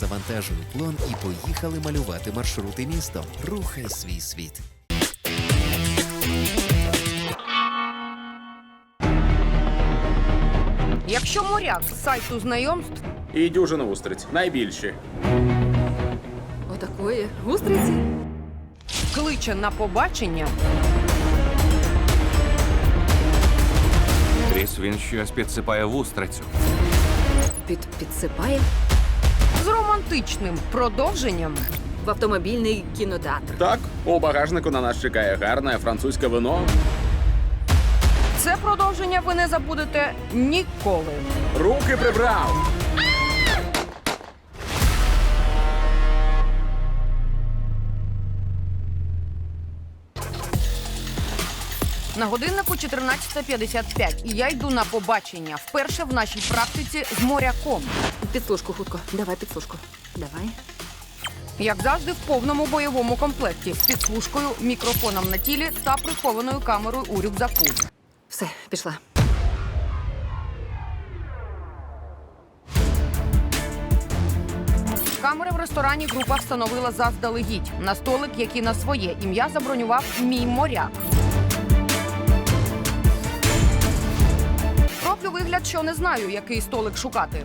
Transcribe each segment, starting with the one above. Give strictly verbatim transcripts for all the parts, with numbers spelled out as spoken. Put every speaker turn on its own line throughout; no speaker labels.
завантажили плон і поїхали малювати маршрути містом. Рухай свій світ.
Якщо моряк з сайту знайомств,
І дюжина устриць. Найбільші.
Отакої устриці.
кличе на побачення,
Кріс, він щось підсипає в устрицю.
Під підсипає
з романтичним продовженням,
в автомобільний кінотеатр.
Так, у багажнику на нас чекає гарне французьке вино.
це продовження ви не забудете ніколи.
Руки прибрав!
На годиннику чотирнадцята п'ятдесят п'ять, і я йду на побачення. Вперше в нашій практиці з моряком.
Підслужку хутко. Давай підслужку. Давай.
Як завжди, в повному бойовому комплекті. З підслужкою, мікрофоном на тілі та прихованою камерою у рюкзаку.
Все, пішла.
Камери в ресторані група встановила заздалегідь. На столик, який на своє ім'я забронював мій моряк. Роблю вигляд, що не знаю, який столик шукати.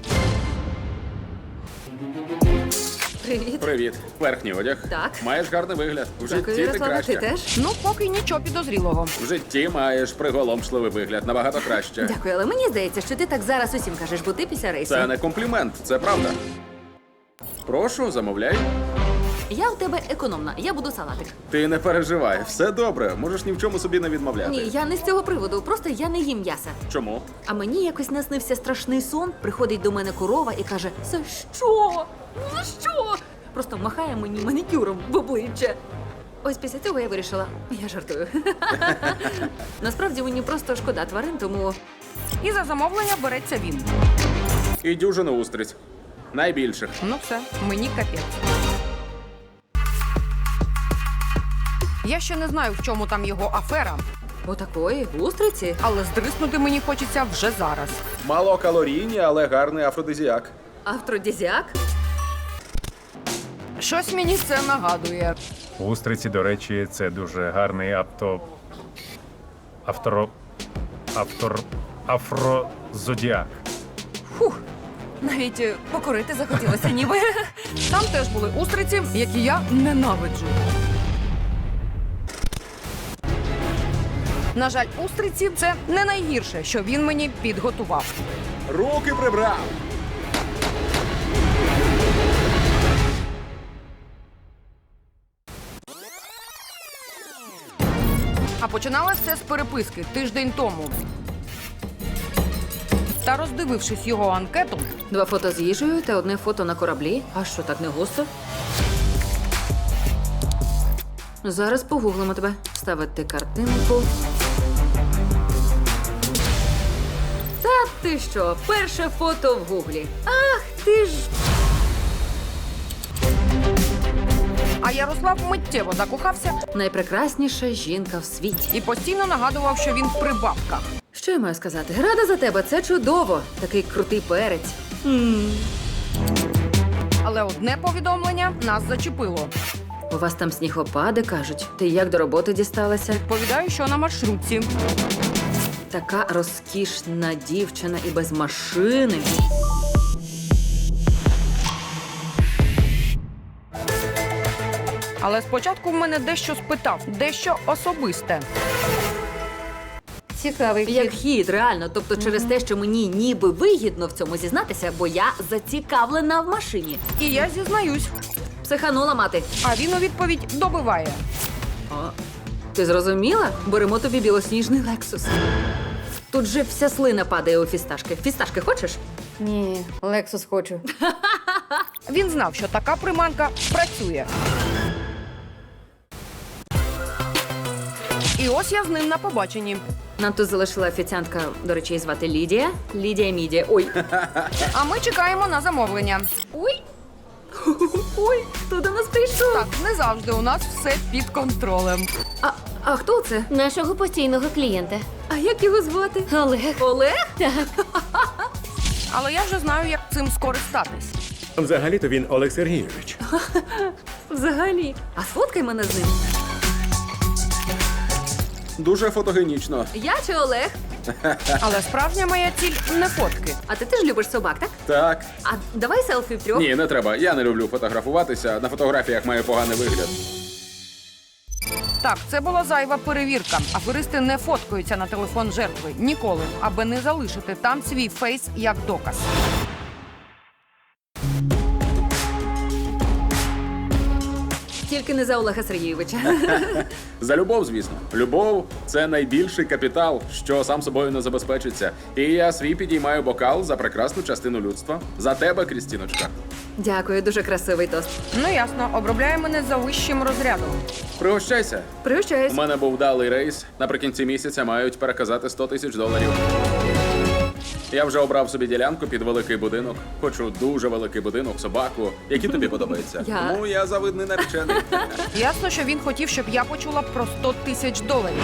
Привіт.
Привіт. Верхній одяг.
Так.
Маєш гарний вигляд. В
Дякую,
житті ти
Ярослава, ти
краще.
теж?
Ну, поки нічого підозрілого.
В житті маєш приголомшливий вигляд. Набагато краще.
Дякую, але мені здається, що ти так зараз усім кажеш, бо ти після рейсу.
Це не комплімент, це правда. Прошу, замовляй.
Я у тебе економна, я буду салатик.
Ти не переживай, все добре. Можеш ні в чому собі не відмовляти.
Ні, я не з цього приводу, просто я не їм м'яса.
Чому?
А мені якось наснився страшний сон, приходить до мене корова і каже: «За що? За що?» Просто махає мені манікюром в обличчя. Ось після цього я вирішила, я жартую. Насправді мені просто шкода тварин, тому
І за замовлення береться він.
І дюжина устриць. Найбільших.
Ну все, мені капець. Я ще не знаю, в чому там його афера,
отакої устриці.
але здриснути мені хочеться вже зараз.
Малокалорійні, але гарний афродизіак.
Афродізіак?
Щось мені це нагадує.
Устриці, до речі, це дуже гарний авто... Авторо... Автор... Афрозодіак.
Фух, навіть е, покурити захотілося ніби.
Там теж були устриці, які я ненавиджу. На жаль, устриці – це не найгірше, що він мені підготував.
Руки прибрав!
А починалося все з переписки тиждень тому. Та роздивившись його анкету,
Два фото з їжею та одне фото на кораблі. А що, так не густо? Зараз погуглимо тебе. Ставити картинку. Та ти що? Перше фото в гуглі. Ах, ти ж...
а Ярослав миттєво закохався
Найпрекрасніша жінка в світі.
і постійно нагадував, що він при бабках.
Що я маю сказати? Рада за тебе, це чудово. Такий крутий перець.
Але одне повідомлення нас зачепило.
У вас там снігопади, кажуть. Ти як до роботи дісталася?
Відповідаю, що на маршрутці.
Така розкішна дівчина і без машини.
Але спочатку в мене дещо спитав, дещо особисте.
Цікавий Як хід, реально. Тобто через те, що мені ніби вигідно в цьому зізнатися, бо я зацікавлена в машині.
І я зізнаюсь,
Психанула мати.
а він у відповідь добиває.
О, ти зрозуміла? Беремо тобі білосніжний Лексус. Тут же вся слина падає у фісташки. Фісташки хочеш?
Ні, Лексус хочу.
Він знав, що така приманка працює. І ось я з ним на побаченні.
Нам тут залишила офіціантка, до речі, її звати Лідія. Лідія Мідія. Ой.
А ми чекаємо на замовлення.
Ой. Ой, хто до нас прийшов?
Так, не завжди у нас все під контролем.
А, а хто це?
Нашого постійного клієнта.
А як його звати?
Олег.
Олег?
Але я вже знаю, як цим скористатись.
Взагалі-то він Олег Сергійович.
Взагалі. А сфоткай мене з ним.
Дуже фотогенічно.
Я чи Олег?
Але справжня моя ціль не фотки.
А ти теж любиш собак, так?
Так.
А давай селфі втрьох.
Ні, не треба. Я не люблю фотографуватися. На фотографіях має поганий вигляд.
Так, це була зайва перевірка. Аферисти не фоткаються на телефон жертви ніколи, аби не залишити там свій фейс як доказ.
Тільки не за Олега Сергійовича.
За любов, звісно. Любов це найбільший капітал, що сам собою не забезпечиться. І я свій підіймаю бокал за прекрасну частину людства. За тебе, Крістіночка.
Дякую, дуже красивий тост.
Ну ясно, обробляє мене за вищим розрядом.
Пригощайся.
Пригощаюсь.
У мене був вдалий рейс. Наприкінці місяця мають переказати сто тисяч доларів. Я вже обрав собі ділянку під великий будинок. Хочу дуже великий будинок, собаку. Які тобі подобаються?
Я-
Тому я завидний наречений.
Ясно, що він хотів, щоб я почула про сто тисяч доларів.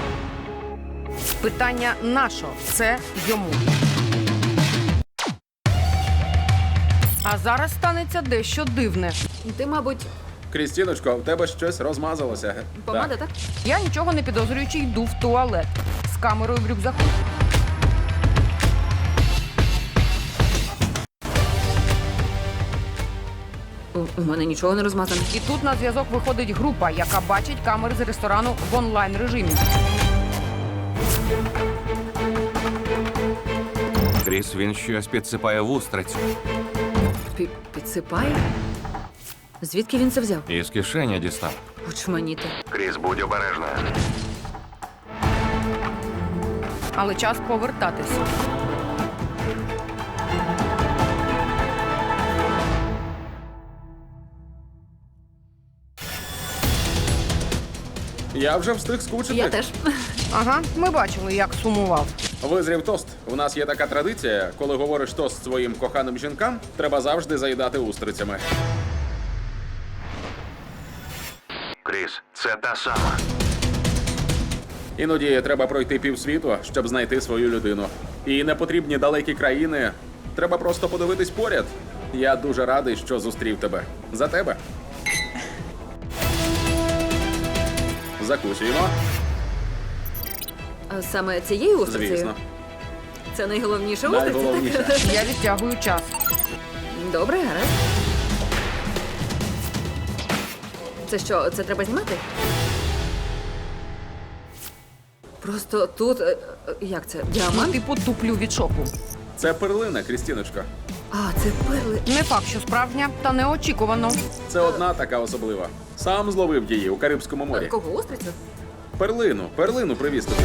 Питання нащо це йому? А зараз станеться дещо дивне.
Ти, мабуть,
Крістіночко, в тебе щось розмазалося.
помада,
Так.
так?
Я нічого не підозрюючи йду в туалет з камерою в рюкзаку.
У, у мене нічого не розмазано.
І тут на зв'язок виходить група, яка бачить камери з ресторану в онлайн режимі.
Кріс, він щось підсипає в устрицю.
Пі- Підсипає? Звідки він це взяв?
Із кишені дістав.
Очманіти.
Кріс, будь обережна.
Але час повертатись.
Я вже встиг скучити.
Я теж.
Ага, ми бачили, як сумував.
Визрів тост. У нас є така традиція, коли говориш тост своїм коханим жінкам, треба завжди заїдати устрицями.
Кріс, це та сама.
Іноді треба пройти півсвіту, щоб знайти свою людину. І не потрібні далекі країни. Треба просто подивитись поряд. Я дуже радий, що зустрів тебе. За тебе. Закусуємо.
А саме цією устрицею?
Звісно.
Це найголовніше устриця,
Найголовніше.
так?
Я відтягую час.
Добре, гаразд. Це що, це треба знімати? Просто тут. е, е, Як це?
Ну,
Діамант?
типу туплю від шоку.
Це перлина, Крістіночка.
А, це перли.
Не факт, що справжня, та неочікувано.
Це одна така особлива. Сам зловив її у Карибському морі.
Кого устрицю?
Перлину, перлину привіз тобі.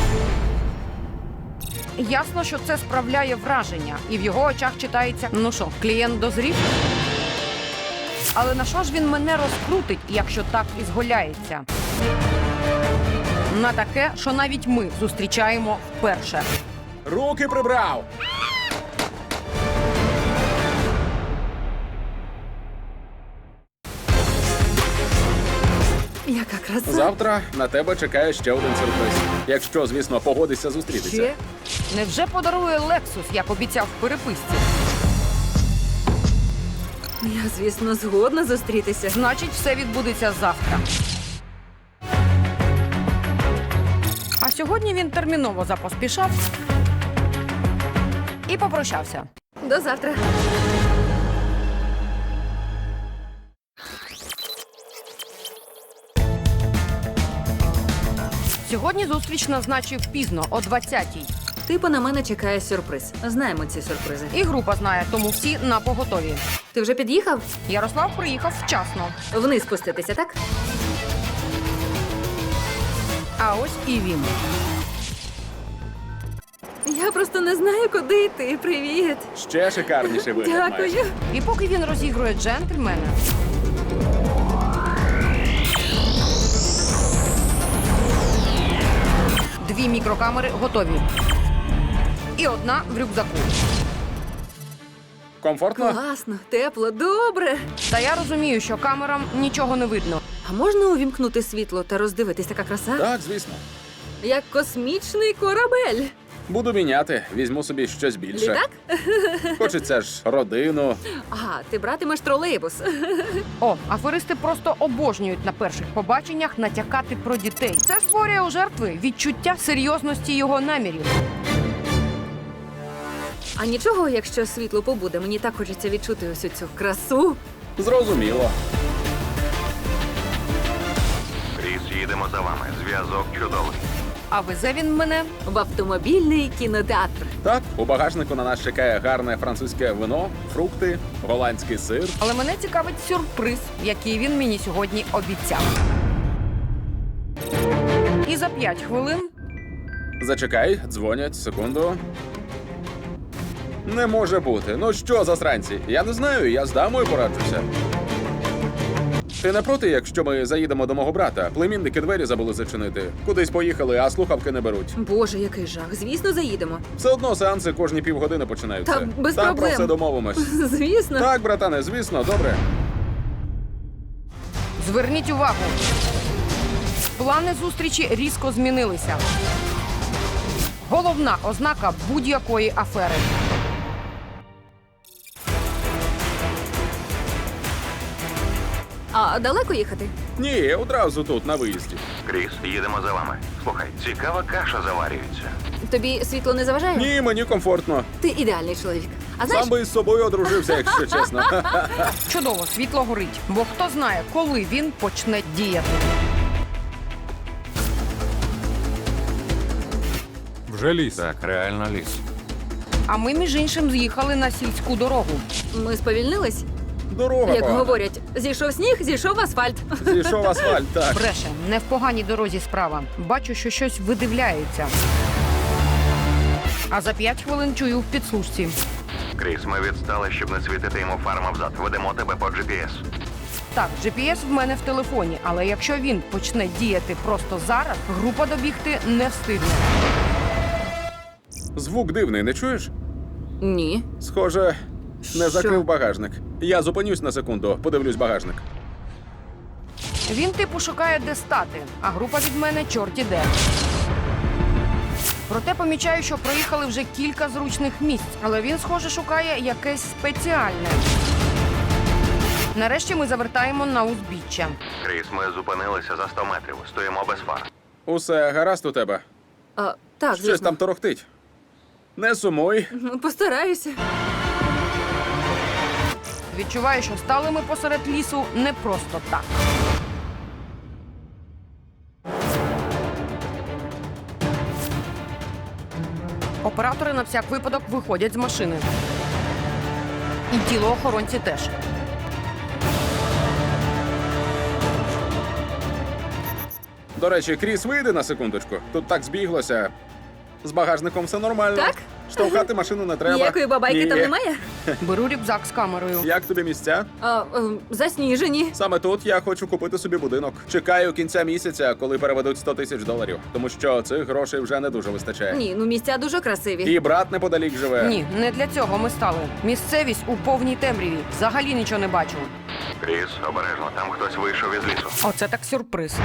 Ясно, що це справляє враження, і в його очах читається: ну що, клієнт дозрів? Але на що ж він мене розкрутить, якщо так і зголяється? На таке, що навіть ми зустрічаємо вперше.
Руки прибрав!
Яка краса.
Завтра на тебе чекає ще один сюрприз. Якщо, звісно, погодишся зустрітися.
Ще?
Невже подарує Лексус, як обіцяв в переписці?
Я, звісно, згодна зустрітися.
Значить, все відбудеться завтра. А сьогодні він терміново запоспішав і попрощався.
До завтра.
Сьогодні зустріч назначив пізно, о двадцятій.
Типу на мене чекає сюрприз. Знаємо ці сюрпризи.
І група знає, тому всі на поготові.
Ти вже під'їхав?
Ярослав приїхав вчасно.
Вниз спуститися, так?
А ось і він.
Я просто не знаю, куди йти. Привіт.
Ще шикарніший вигляд маєш.
Дякую.
І поки він розігрує джентльмена, дві мікрокамери готові. І одна в рюкзаку.
Комфортно?
Класно, тепло, добре.
Та я розумію, що камерам нічого не видно.
А можна увімкнути світло та роздивитись, така краса?
Так, звісно.
Як космічний корабель.
Буду міняти, візьму собі щось більше.
Літак?
Хочеться ж родину.
Ага, ти братимеш тролейбус.
О, аферисти просто обожнюють на перших побаченнях натякати про дітей. Це створює у жертви відчуття серйозності його намірів.
А нічого, якщо світло побуде, мені так хочеться відчути усю цю красу.
Зрозуміло.
Кріс, їдемо за вами. Зв'язок чудовий.
А везе він мене
В автомобільний кінотеатр.
Так, у багажнику на нас чекає гарне французьке вино, фрукти, голландський сир.
Але мене цікавить сюрприз, який він мені сьогодні обіцяв. І за п'ять хвилин
Зачекай, дзвонять, секунду. Не може бути. Ну що, засранці? Я не знаю, я з дамою пораджуся. Ти не проти, якщо ми заїдемо до мого брата? Племінники двері забули зачинити. Кудись поїхали, а слухавки не беруть.
Боже, який жах. Звісно, заїдемо.
Все одно сеанси кожні півгодини починаються.
Та без
Там
проблем.
про все домовимось.
Звісно.
Так, братане, звісно, добре.
зверніть увагу. Плани зустрічі різко змінилися. Головна ознака будь-якої афери.
А далеко їхати?
Ні, одразу тут, на виїзді.
Кріс, їдемо за вами. Слухай, цікава каша заварюється.
Тобі світло не заважає?
Ні, мені комфортно.
Ти ідеальний чоловік. А знаєш,
Сам би із собою одружився, якщо чесно.
Чудово, світло горить. Бо хто знає, коли він почне діяти.
Вже ліс.
Так, реально ліс.
А ми, між іншим, з'їхали на сільську дорогу.
ми сповільнились?
Дорога
Як
погана.
говорять, зійшов сніг, зійшов асфальт.
Зійшов асфальт, так.
Бреше, не в поганій дорозі справа. Бачу, що щось видивляється. А за п'ять хвилин чую в підслужці.
Кріс, ми відстали, щоб не світити йому фарма взад. Ведемо тебе по джі пі ес.
Так, джі пі ес в мене в телефоні, але якщо він почне діяти просто зараз, група добігти не встигне.
Звук дивний, не чуєш?
Ні.
Схоже, не
Що?
закрив багажник. Я зупинюсь на секунду, подивлюсь багажник.
Він типу шукає, де стати, а група від мене чорті де. Проте помічаю, що проїхали вже кілька зручних місць, але він, схоже, шукає якесь спеціальне. Нарешті ми завертаємо на узбіччя.
Кріс, ми зупинилися за сто метрів. Стоїмо без фар.
Усе гаразд у тебе?
А, так,
Щось
звісно.
там торохтить. Не сумуй.
Ну, постараюся.
Відчуваю, що стали ми посеред лісу не просто так. Оператори на всяк випадок виходять з машини. І тіло охоронці теж.
До речі, Кріс, вийди на секундочку. Тут так збіглося. З багажником все нормально.
Так?
Штовхати машину не треба.
Ніякої бабайки
Ні.
там немає?
Беру рюкзак з камерою.
Як тобі місця?
А, е, засніжені.
Саме тут я хочу купити собі будинок. Чекаю кінця місяця, коли переведуть сто тисяч доларів. Тому що цих грошей вже не дуже вистачає.
Ні, ну місця дуже красиві.
І брат неподалік живе.
Ні, не для цього ми стали. Місцевість у повній темряві. Взагалі нічого не бачу.
Кріс, обережно, там хтось вийшов із лісу.
Оце так сюрприз.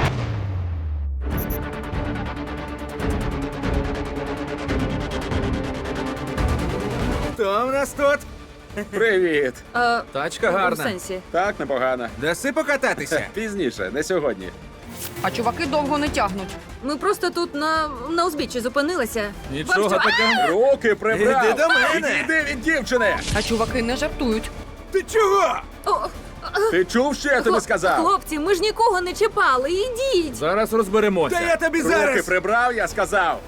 Хто в нас тут?
Привіт.
А,
Тачка
в
гарна.
сенсі.
Так, непогано.
Даси покататися.
Пізніше, не сьогодні.
А чуваки довго не тягнуть.
Ми просто тут на, на узбіччі зупинилися.
Нічого
Бабцю,
такого.
Руки прибрав!
Іди до мене!
Іди від дівчини!
А чуваки не жартують.
Ти чого?
О,
Ти чув, що я тобі
хлоп-
сказав?
Хлопці, ми ж нікого не чіпали. Ідіть.
Зараз розберемося. Та я тобі
Руки
зараз.
прибрав, я сказав.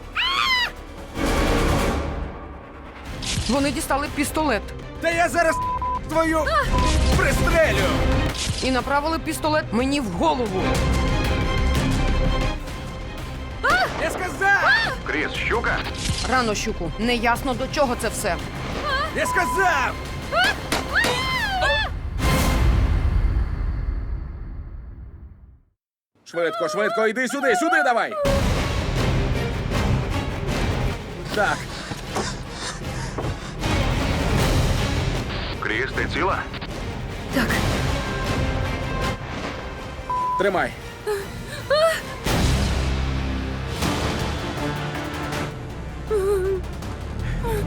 Вони дістали пістолет
Та я зараз твою пристрелю.
і направили пістолет мені в голову.
Я сказав!
Кріс, щука?
Рано, щуку, неясно до чого це все.
Я сказав!
Швидко, швидко, йди сюди, сюди давай! Так,
Кріс, ти ціла?
Так.
тримай.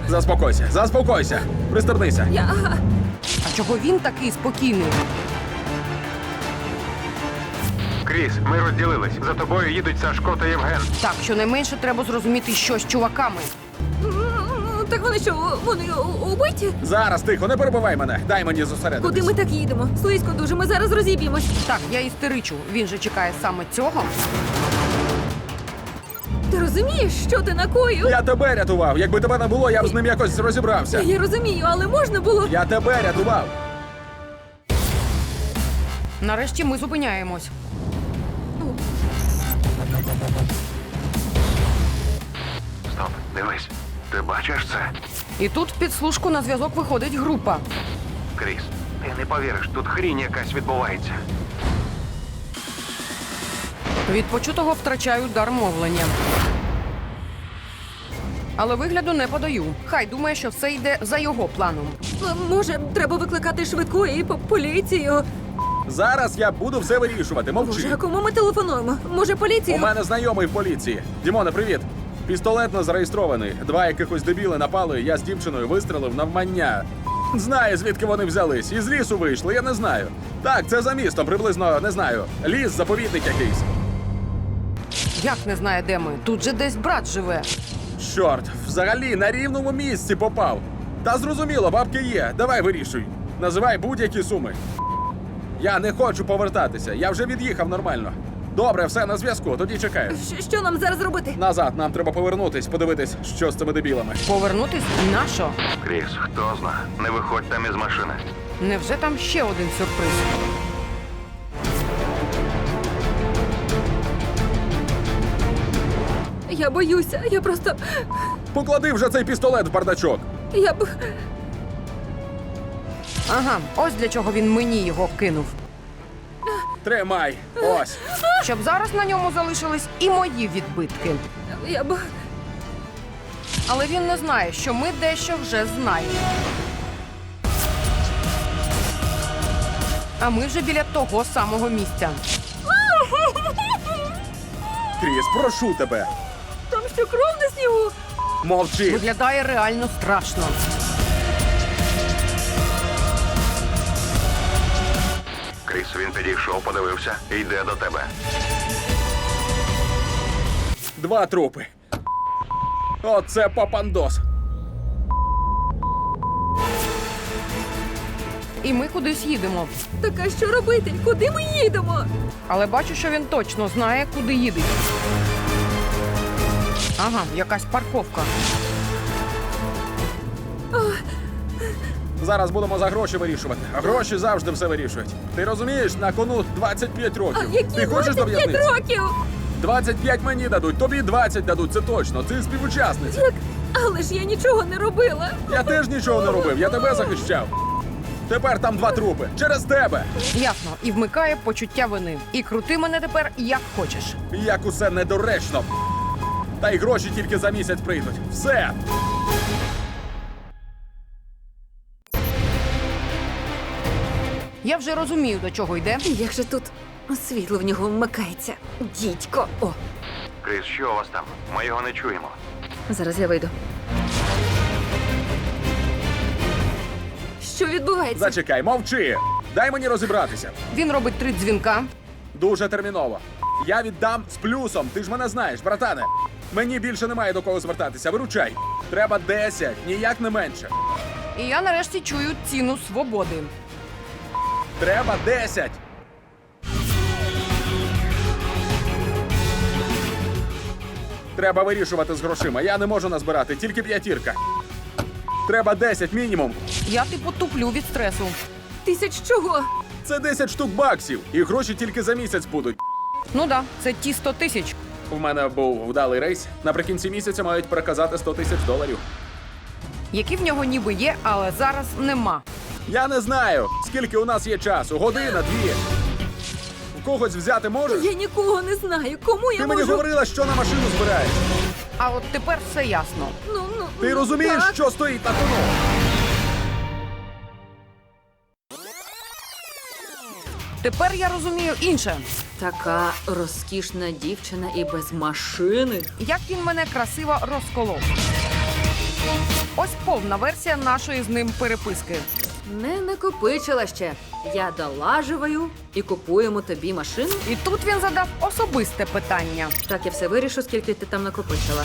Заспокойся, заспокойся. Пристебнися.
Я.
А чого він такий спокійний?
Кріс, ми розділились. За тобою їдуть Сашко та Євген.
Так, щонайменше треба зрозуміти, що з чуваками.
М, Так вони що, вони у- убиті?
Зараз, тихо, не перебивай мене. Дай мені зосередитись.
Куди ми так їдемо? Слизько дуже, ми зараз розіб'ємось.
Так, я істеричу. Він же чекає саме цього.
Ти розумієш, що ти накоїв?
Я тебе рятував. Якби тебе не було, я б з ним якось розібрався.
Я розумію, але можна було.
Я тебе рятував.
Нарешті ми зупиняємось.
Стоп, дивись. Ти бачиш це?
І тут в підслужку на зв'язок виходить група.
Кріс, ти не повіриш, тут хрінь якась відбувається.
Від почутого втрачаю дар мовлення. Але вигляду не подаю. Хай думає, що все йде за його планом.
М, Може, треба викликати швидку і по- поліцію.
Зараз я буду все вирішувати.
Боже,
Мовчи.
а кому ми телефонуємо? Може,
У
поліцію?
мене знайомий в поліції. Дімоне, привіт. Пістолет не зареєстрований. Два якихось дебіли напали, я з дівчиною вистрелив навмання. Знаю, звідки вони взялись. Із лісу вийшли, я не знаю. Так, це за містом, приблизно, не знаю. Ліс, заповідник якийсь.
Як не знає, де ми? Тут же десь брат живе.
Чорт, взагалі на рівному місці попав. Та зрозуміло, бабки є. Давай вирішуй. Називай будь-які суми. Я не хочу повертатися. Я вже від'їхав нормально. Добре, все на зв'язку, тоді чекаю.
Щ- Що нам зараз робити?
Назад нам треба повернутись, подивитись, що з цими дебілами.
Повернутись на що?
Кріс, хто зна? Не виходь там із машини.
Невже там ще один сюрприз?
Я боюся, я просто.
Поклади вже цей пістолет в бардачок.
Я б.
Ага, ось для чого він мені його кинув.
Тримай. Ось.
Щоб зараз на ньому залишились і мої відбитки.
Я б.
Але він не знає, що ми дещо вже знаємо. А ми вже біля того самого місця.
Кріс, прошу тебе.
Там що кров на снігу?
Мовчи.
Виглядає реально страшно.
Кріс, він підійшов, подивився і йде до тебе.
Два трупи. Оце папандос.
І ми кудись їдемо.
Так а що робити? Куди ми їдемо?
Але бачу, що він точно знає, куди їде. Ага, якась парковка.
Зараз будемо за гроші вирішувати. А гроші завжди все вирішують. Ти розумієш, на кону двадцять п'ять
А
років.
які
Ти хочеш до
двадцять п'ять
в'язниці?
років?
двадцять п'ять мені дадуть, тобі двадцять дадуть, це точно. Ти співучасниця.
Так, але ж я нічого не робила.
Я теж нічого не робив, я тебе захищав. Тепер там два трупи. Через тебе.
Ясно, і вмикає почуття вини. І крути мене тепер як хочеш.
Як усе недоречно. Та й гроші тільки за місяць прийдуть. Все.
Я вже розумію, до чого йде.
Як же тут світло в нього вмикається? Дідько. О,
Кріс, що у вас там? Ми його не чуємо.
зараз я вийду. Що відбувається?
Зачекай, мовчи. Дай мені розібратися.
Він робить три дзвінка.
Дуже терміново. Я віддам з плюсом. Ти ж мене знаєш, братане. Мені більше немає до кого звертатися. Виручай. Треба десять, ніяк не менше.
І я нарешті чую ціну свободи.
Треба десять. Треба вирішувати з грошима. Я не можу назбирати, тільки п'ятірка. Треба десять мінімум.
Я типу туплю від стресу.
Тисяч чого?
Це десять штук баксів. І гроші тільки за місяць будуть.
Ну да, це ті сто тисяч.
У мене був вдалий рейс. Наприкінці місяця мають переказати сто тисяч доларів.
Які в нього ніби є, але зараз нема.
Я не знаю, скільки у нас є часу. Година, дві. В когось взяти можеш?
Я нікого не знаю. Кому я
Ти мені
можу?
говорила, що на машину збираєш.
А от тепер все ясно.
Ну, ну,
Ти
ну,
розумієш,
так.
що стоїть на кону?
Тепер я розумію інше.
Така розкішна дівчина і без машини.
Як він мене красиво розколов. Ось повна версія нашої з ним переписки.
Не накопичила ще. Я долаживаю і купуємо тобі машину.
І тут він задав особисте питання.
Так, я все вирішу, скільки ти там накопичила.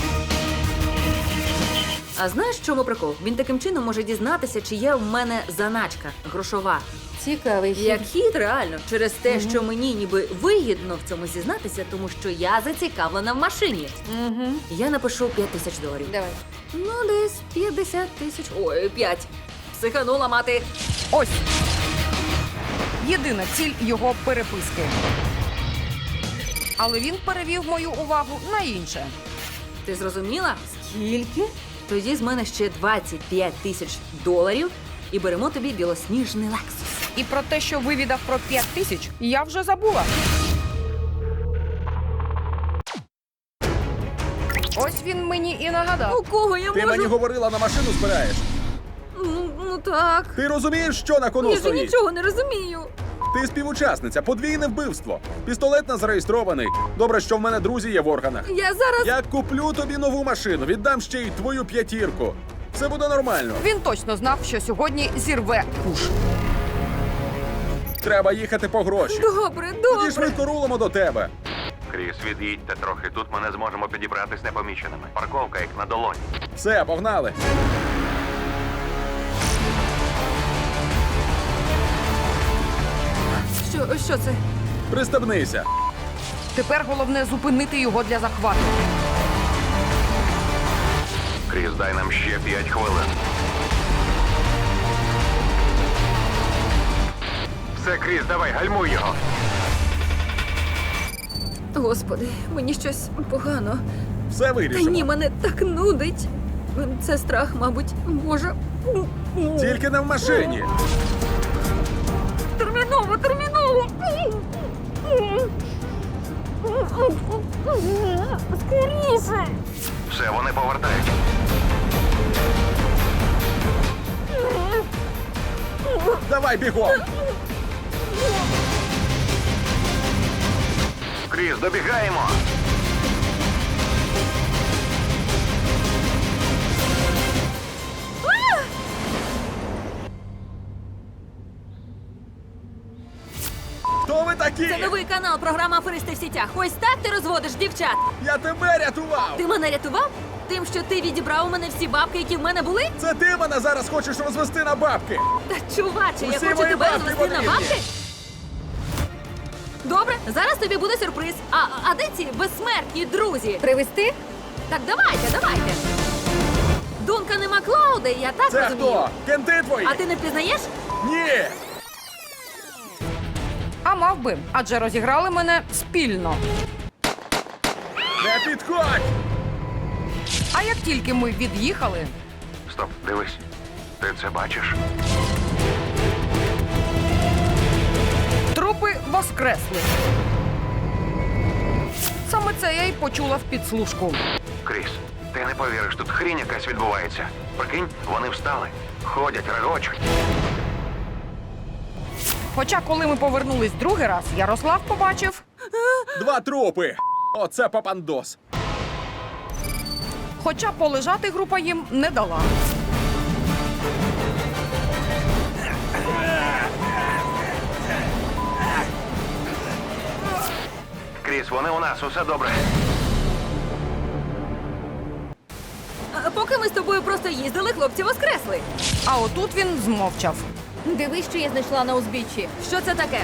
А знаєш, в чому прикол? Він таким чином може дізнатися, чи є в мене заначка грошова.
Цікавий хід.
Як хід, реально, через те, що мені ніби вигідно в цьому зізнатися, тому що я зацікавлена в машині.
Угу.
Я напишу п'ять тисяч доларів.
Давай.
Ну, десь п'ятдесят тисяч. Ой, п'ять. Психанула мати.
Ось єдина ціль його переписки. Але він перевів мою увагу на інше.
Ти зрозуміла? Скільки? Тоді з мене ще двадцять п'ять тисяч доларів і беремо тобі білосніжний Лексус.
І про те, що вивідав про п'ять тисяч, я вже забула. Ось він мені і нагадав.
У кого я
Ти
можу?
мені говорила, на машину збираєш.
Ну, ну так.
Ти розумієш, що на кону
Я ж
стоїть?
нічого не розумію.
Ти співучасниця, подвійне вбивство. Пістолет не зареєстрований. Добре, що в мене друзі є в органах.
Я зараз.
Я куплю тобі нову машину, віддам ще й твою п'ятірку. Все буде нормально.
Він точно знав, що сьогодні зірве куш.
Треба їхати по гроші.
Добре,
Тоді
добре.
швидко рулимо до тебе.
Кріс, від'їдьте трохи. Тут ми не зможемо підібратись непоміченими. Парковка як на долоні.
Все, погнали.
Що, що це?
Пристебнися.
Тепер головне зупинити його для захвату.
Кріс, дай нам ще п'ять хвилин. Все, Кріс, давай, гальмуй його.
Господи, мені щось погано.
Все
Та
вирішимо.
ні, мене так нудить. Це страх, мабуть, Боже.
Тільки не в машині.
Терміново, терміново! Скоріше!
Все, вони повертають.
Давай бігом.
Кріс, добігаємо.
Хто ви такі?
Це новий канал, програма «Аферисти в сітях». Ось так ти розводиш дівчат.
Я тебе рятував.
Ти мене рятував? Тим, що ти відібрав у мене всі бабки, які в мене були?
Це ти мене зараз хочеш розвести на бабки.
Та чуваче, я
Усі
хочу
мої
тебе
бабки
розвести на
потрібні.
бабки. Добре, зараз тобі буде сюрприз. А, а де ці безсмертні друзі?
Привезти?
Так давайте, давайте. Дункан і Маклауди, я так
Це
розумію.
хто? Кенти твої?
А ти не впізнаєш?
Ні.
А мав би, адже розіграли мене спільно.
Не підходь.
А як тільки ми від'їхали,
Стоп, дивись. Ти це бачиш?
трупи воскресли. Саме це я й почула в підслужку.
Кріс, ти не повіриш, тут хрінь якась відбувається. Прикинь, вони встали, ходять, регочуть.
Хоча, коли ми повернулись другий раз, Ярослав побачив,
Два трупи. Оце папандос.
хоча полежати група їм не дала.
Кріс, вони у нас, усе добре.
А, Поки ми з тобою просто їздили, хлопці воскресли.
А отут він змовчав.
Дивись, що я знайшла на узбіччі.
Що це таке?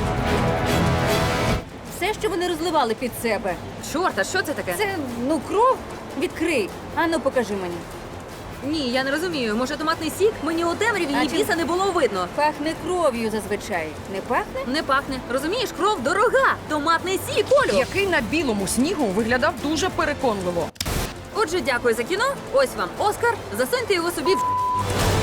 Все, що вони розливали під себе.
Чорта, що це таке?
Це, ну, кров. Відкрий. Ану, покажи мені.
Ні, я не розумію. Може, томатний сік? Мені у темряві
А
ні
чи-
біса не було видно.
Пахне кров'ю зазвичай. Не пахне?
Не пахне. Розумієш, кров дорога. Томатний сік, Олю.
Який на білому снігу виглядав дуже переконливо.
Отже, дякую за кіно. Ось вам Оскар. Засуньте його собі в